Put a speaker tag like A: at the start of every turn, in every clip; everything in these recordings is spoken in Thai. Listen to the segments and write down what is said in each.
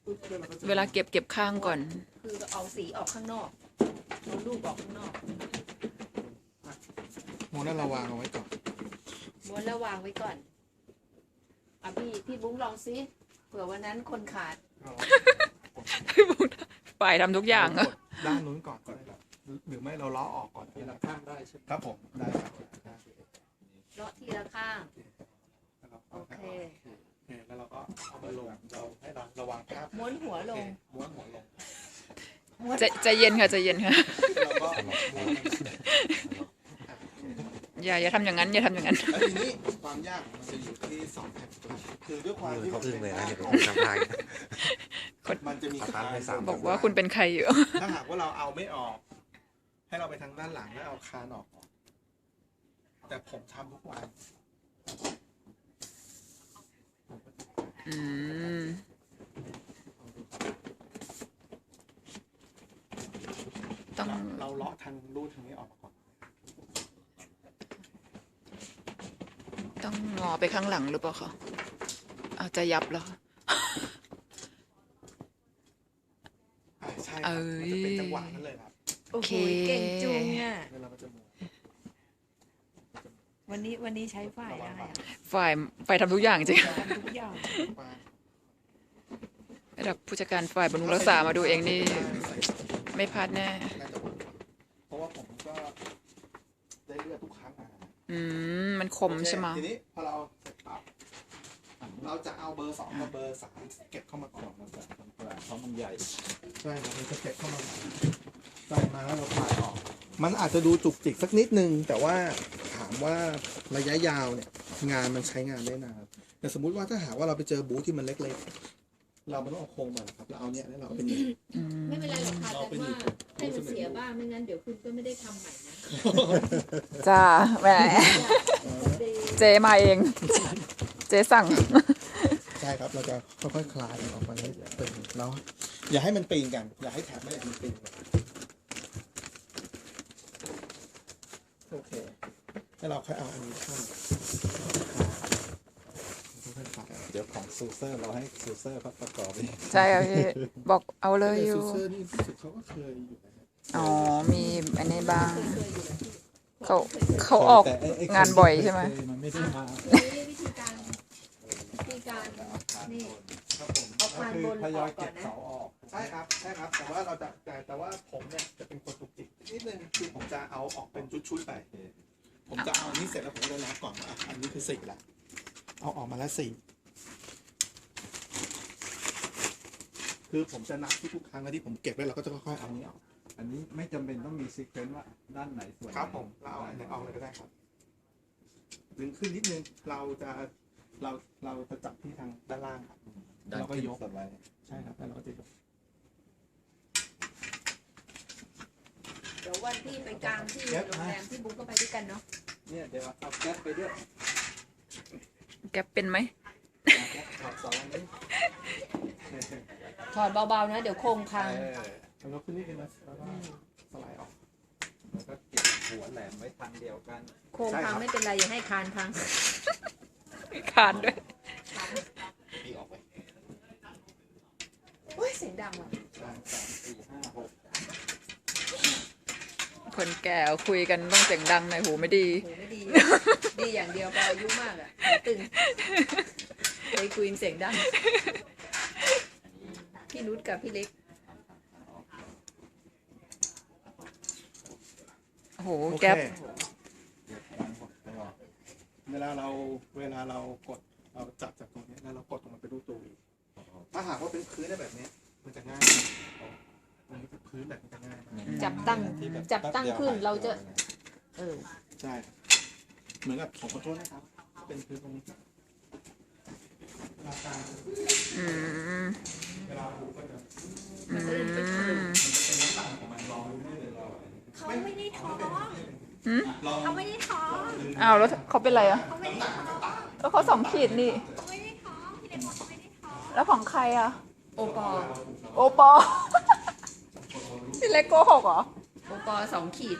A: เวลาเก็บข้างก่อน
B: คือเอาสีออกข้างนอกเอาลูกออกข้างนอก
C: โมนั่นเราวางเอาไว้ก่อน
B: ม้วนแล้ววางไว้ก่อนอ่ะพี่บุ้งลองซิเผื่อวันนั้นคนขาด
A: ฝ่ายทำทุกอย่าง
C: กดด้านนู้นก่อนก็ได้ครับหรือไม่เราล้อออกก่อน
D: ทีละข้างได้ใช่ไหม
C: ครับผมได้ครับ
B: เลาะทีละข้าง โอเค
C: แล้วเราก็เอามาลงเราให้เราระวังภาพ
B: ม้วนหัวลง
C: ม้วนหัวลง
A: ใจเย็นค่ะใจเย็นค่ะ
C: เราก็ม้วน
A: อย่าทำอย่างนั้นอย่าทำอย่างนั้น
C: แล้วทีนี้ความยากมันจะอยู่ที่สองแผ่นตัวคือด้วยความที่
D: เขาอึ้งเลยนะเห็น
C: มั
D: ผมทำได้
C: มันจะมีคาน
A: บอกว่าคุณเป็นใครอยู่
C: ถ้าหากว่าเราเอาไม่ออก ให้เราไปทางด้านหลังแล้วเอาคานออก แต่ผมทำทุกวัน
A: อืมต้อง
C: เราเลาะทางรูทางนี้ออกมาก่อน
A: ต้องงอไปข้างหลังหรือเปล่าคะเอาจะยับแล้ว
C: ใช่ครับมันจะเป็นจังหวะนั้นเลยครับ
B: โอ้โหเก่งจุงอ่ะ
C: แล้วเราก็จะม้วน
B: วันนี้ใช้ฝ่ายได้อะ
A: ฝ่ายทำทุกอย่างจริง
B: ทำทุกอย่าง
A: ระดับผู้จัดการฝ่ายบำรุงรักษามาดูเองนี่ไม่พลาดแน่
C: น่าจะเวิร์กเพราะว่าผมก็ได้เลือดทุกครั้งนะ
A: มันคมใช่ไหม
C: ทีนี้พอเราเสร็จปั๊บเราจะเอาเบอร์ 2 กับเบอร์ 3 เก็บเข้ามาก่อน
D: เพราะมันใหญ่
C: ใช่ครับเราจะเก็บเข้ามาใส่มาแล้วเราถ่ายออก มันอาจจะดูจุกจิกสักนิดนึง แต่ว่าถามว่าระยะยาวเนี่ยงานมันใช้งานได้นานแต่สมมุติว่าถ้าหากว่าเราไปเจอบูธที่มันเล็กๆเราไม่ต้องเอาโครงมาหรอกครับเราเอาเนี่ยแล้วเราเอาเป็นหนีบ
B: ไม่เป็นไรหรอกค่ะแต่ว่าให้มันเสียบ้างไม่งั้นเดี๋ยวคุณก็ไม่ได้ทำใหม่นะ
A: จ้าแหมเจมาเอง เจสั่ง
C: ใช่ครับเราจะค่อยๆคลายมันออกมาให้เป็นเนาะอย่าให้มันปีนกัน อย่าให้แถบไม่ได้มันปีนกันโอเคแล้วเราค่อยเอาอันนี้เข้าค่อยๆคลาย
D: เดี๋ยวของซูเซอร์เราให้ซูเซอร์เขาประกอบเอง
A: ใช่ค่ะพี่บอกเอาเลย
C: แต่
A: อยู่
C: ซูเซอร์นี่รู้สึกเขาก็เคยอยู่นะ
A: อ๋อมีอันนี้บ้าง
B: เคยอยู่แล้วที่
A: เขาออก
D: แต่ไ
A: งานบ่อยใช่ไหม
D: มันไม่ได้มา
B: นี่วิธีการนี่
C: ครับผม
B: เอาคานบน
D: ทย
B: อ
D: อ
B: อย กก่อ
D: เก็
B: น
D: บ
B: นะ
D: เสาออก
C: ใช่ครับใช่ครับ แต่ว่าเราจะแต่ว่าผมเนี่ยจะเป็นคนตุกจิกนิดนึงคือผมจะเอาออกเป็นชุดๆไป ผมจะเอาอันนี้เสร็จแล้วผมจะนับก่อนว่าอันนี้คือ4ละเอาออกมาแล้ว4คือผมจะนับทุกๆครั้งแล้วที่ผมเก็บไว้เราก็จะค่อยๆเอาอันนี้ออก
D: อันนี้ไม่จำเป็นต้องมีซีเควนต์ว่าด้านไหนส่วนไหน
C: ครับผมเราเอาอันไหนออกเลยก็ได้ครับดึงขึ้นนิดนึงเราจะจับที่ทางด้านล่างครับ
D: ด้าน
C: เราก็
D: ขึ้น
C: ยก
D: สไลด์
C: ใช่ครับแล้วเราก็จะยก
B: เดี๋ยววันที่ไปกลางที่โรงแรมที่บุ๊กก็ไปด้วยกันเนาะ
D: เนี่ยเดี๋ยวเอาแก๊สไปด้วย
A: แกเป็นไหม
D: แก๊สถอดเสาอันนี้
B: ถอดเบาๆนะเดี๋ยวโครงพัง
C: แล้วก็ขึ้นนิดนึงนะแล้วก็สไลด์ออก
D: แล้วก็เก็บหัวแหลมไว้ทางเดียวกัน
B: โครงพังไม่เป็นไรอย่าให้คานพัง
A: คานด้วย
C: ตีออกไป
B: โอ้ยเสียงดังว่ะ
C: ใช่
D: 3 4 5 6
A: คนแก่คุยกันต้องเสียงดังหน่อยหูไม่ดี
B: โหไม่ดี ดีอย่างเดียวพออายุมากอ่ะหูตึงเคยคุยเสียงดังพี่นุชกับพี่เล็ก
A: โอ้โห
C: โอเค
A: แก๊ป
C: เวลาเรากดเราจับจากตรงนี้แล้วเรากดตรงมันไปรูปตัววีถ้าหากว่าเป็นพื้นได้แบบนี้มันจะง่ายตรงนี้เป็นพื้นแบบนี้จะง่ายมาก
B: จับตั้งขึ้นเราจะ
C: ใช่เหมือนกับของขอโทษนะครับ เป็นพื้นตรงนี้ราคา
A: อืม
C: เวลาผูกก็จะ
A: อืม
C: เป็นน้ำตาลของมันลองดูได้เลยเรา
B: เขาไม่ได้ท้อง
C: ลอง
B: เขาไม่ได้ท้อง
A: อ้าวแล้วเขาเป็นไรอะ
B: เขาไม่ได้ท้อง
A: แล้วเขา2 ขีดนี่
B: เขาไม่ได้ท้องพี่เล็กบอกเขาไม่ได้ท้อง
A: แล้วของใครอะ
B: โอปอ
A: โอปอ พี่เล็กโกหกเหรอ
B: โอปอ2 ขีด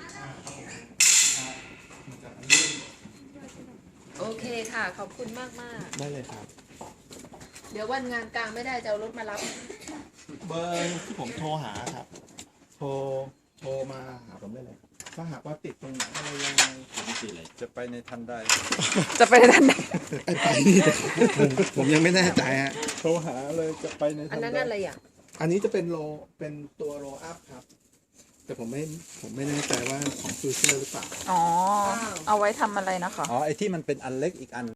B: โอเคค่ะ ขอบคุณมาก
C: ได้เลยครับ
B: ๆเดี๋ยววันงานกลางไม่ได้จะเอารถมารับ
C: เบอร์ที่ผมโทรหาครับ โทรมาหาผมได้เลย ถ้าหากว่าติดตรงไหนอะไรยังไง
D: จะไปในทันใด
A: จะไปทันไหน
C: ไอ้ไปนี่ผมยังไม่แน่ใจฮะ
D: โทรหาเลยจะไปใน
B: อั
D: ทั
B: น
D: น
B: นั้น
D: ใด
B: อะไรอ่ะ
C: อันนี้จะเป็นเป็นตัวโรอัพครับ แต่ผมไม่แน่ใจว่าของฟิวเจอร์หรือเปล่า
A: อ๋อ เอาไว้ทำอะไรนะคะ
D: อ๋อไอ้ที่มันเป็นอันเล็กอีกอัน